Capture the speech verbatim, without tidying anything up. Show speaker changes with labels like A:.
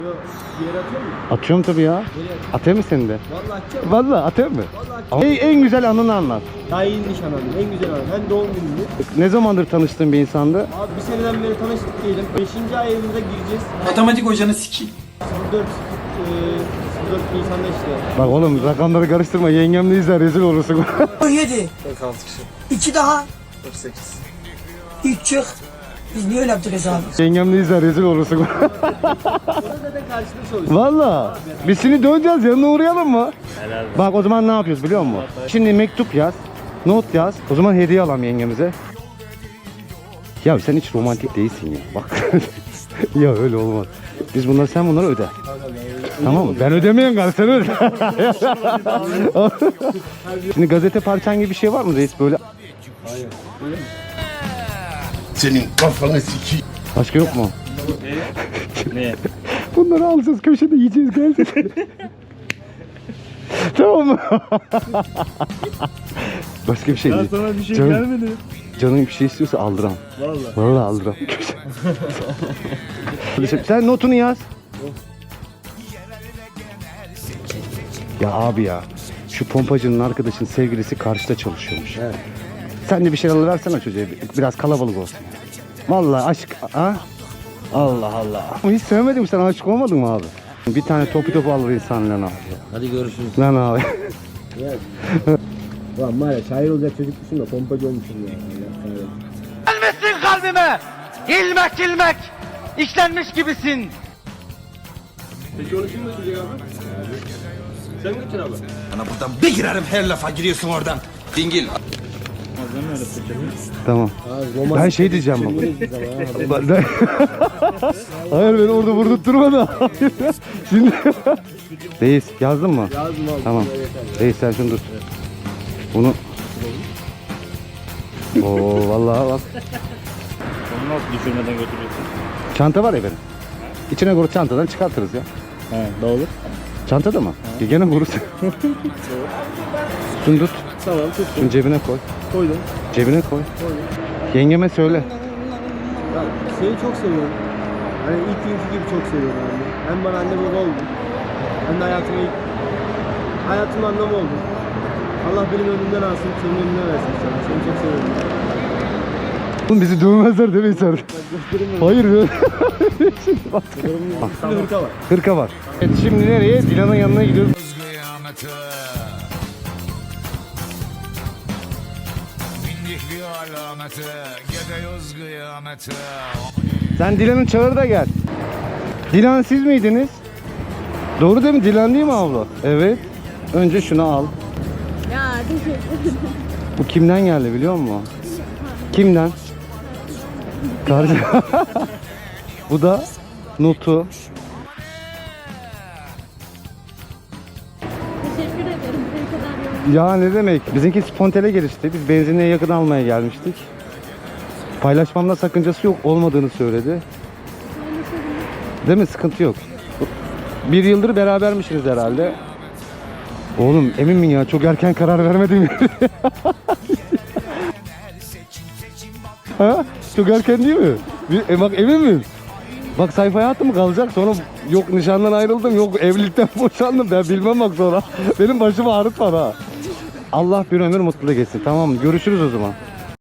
A: Bir yere atıyor musun?
B: Atıyorum tabii ya. Atayım mı seni de?
A: Vallahi atacağım.
B: Vallahi atayım mı?
A: Vallahi atacağım.
B: En, en güzel anını anlat.
A: Daha iyi nişan aldım. En güzel anı. Hem doğum günümdü.
B: Ne zamandır tanıştığın bir insandı?
A: Abi bir seneden beri tanıştık diyelim. Beşinci ayımıza gireceğiz.
C: Matematik hocanı sikeyim.
A: sıfır dört eee, sıfır dört Nisan'da işte.
B: Bak oğlum rakamları karıştırma. Yengemle izler rezil olursun.
D: on yedi.
C: kırk altı kişi.
D: iki daha.
C: kırk sekiz.
D: üç çık. Biz niye öyle yaptık hesabı?
B: Yengemle izler rezil olursun.
A: Orada zaten karşılıklı çalıştık.
B: Valla. Biz seni döneceğiz, yanına uğrayalım mı? Bak o zaman ne yapıyoruz biliyor musun? Şimdi mektup yaz, not yaz. O zaman hediye alalım yengemize. Ya sen hiç romantik değilsin ya. Bak. Ya öyle olmaz. Biz bunları, sen bunları öde. Tamam mı? Ben ödemeyen galiba, sen öde. Şimdi gazete parçan gibi bir şey var mı reis böyle?
E: Senin kafanı sikeyim.
B: Başka yok mu?
F: Ne?
B: Bunları alacağız, köşede yiyeceğiz, geleceğiz. Tamam mı? Başka bir şey değil.
F: Sana bir şey
B: Canım-
F: gelmedi.
B: Canın bir şey istiyorsa aldıram.
F: Vallahi.
B: Vallahi aldıram. Sen notunu yaz. Ya abi ya, şu pompacının arkadaşın sevgilisi karşıda çalışıyormuş. Evet. Sen de bir şey alıversene çocuğa, biraz kalabalık olsun. Vallahi aşk, ha? Allah Allah. Hiç sevmedim, sen aşık olmadın mı abi? Bir tane topu topu alır insan lan abi.
A: Hadi görüşürüz.
B: Lan abi.
A: Ulan var ya şair olacak çocukmuşum da pompacı olmuşum ya.
G: Gelmesin kalbime. İlmek ilmek. İşlenmiş gibisin.
A: Peki onu kim götürecek abi? Sen götür abi.
C: Bana buradan bir girerim, her lafa giriyorsun oradan. Dingil.
B: Tamam. Ben şey diyeceğim baba. Ben- Hayır beni orada vurdurtturma da. Şimdi Reis yazdın mı?
A: Yazdım abi.
B: Tamam. Reis sen şunu tut. Bunu. Oo vallahi bak.
F: Onu nasıl düşürmeden götürüyorsun?
B: Çanta var ya benim. İçine koy, çantadan çıkartırız ya.
F: He, ne olur?
B: Çantada mı? Ya gene vurursun. Şunu tut.
A: Tamam tuttum.
B: Şunu cebine koy.
A: Koydum.
B: Cebine koy. Yengeme söyle.
A: Ben seni çok seviyorum. Hani ilk günkü gibi çok seviyorum abi. Hem bana anne baba oldun. Hem de hayatıma ilk... Hayatımın anlamı oldun. Allah benim önümden alsın, senin önüne versin sana. Seni çok seviyorum.
B: Oğlum bizi dövmezler değil mi sen? Hayır ya.
A: Üstünde hırka var.
B: Hırka var. Evet şimdi nereye? Dilan'ın yanına gidiyoruz. Sen Dilan'ın çağır da gel. Dilan siz miydiniz? Doğru değil mi? Dilan değil mi abla? Evet. Önce şunu al.
H: Ya teşekkür ederim.
B: Bu kimden geldi biliyor musun? Kimden? Karşı. Bu da notu.
H: Teşekkür ederim. Bu kadar yorum.
B: Ya ne demek? Bizimki spontane gelişti. Biz benzinliğe yakın almaya gelmiştik. Paylaşmamda sakıncası yok olmadığını söyledi. Değil mi? Sıkıntı yok. Bir yıldır berabermişsiniz herhalde. Oğlum emin mi ya? Çok erken karar vermedim. Ha? Çok erken değil mi? Bir, e bak emin miyim? Bak sayfaya attım mı kalacak, sonra yok nişandan ayrıldım, yok evlilikten boşandım, ben bilmem bak sonra. Benim başımı ağrıtma ha. Allah bir ömür mutlu geçsin, tamam mı? Görüşürüz o zaman.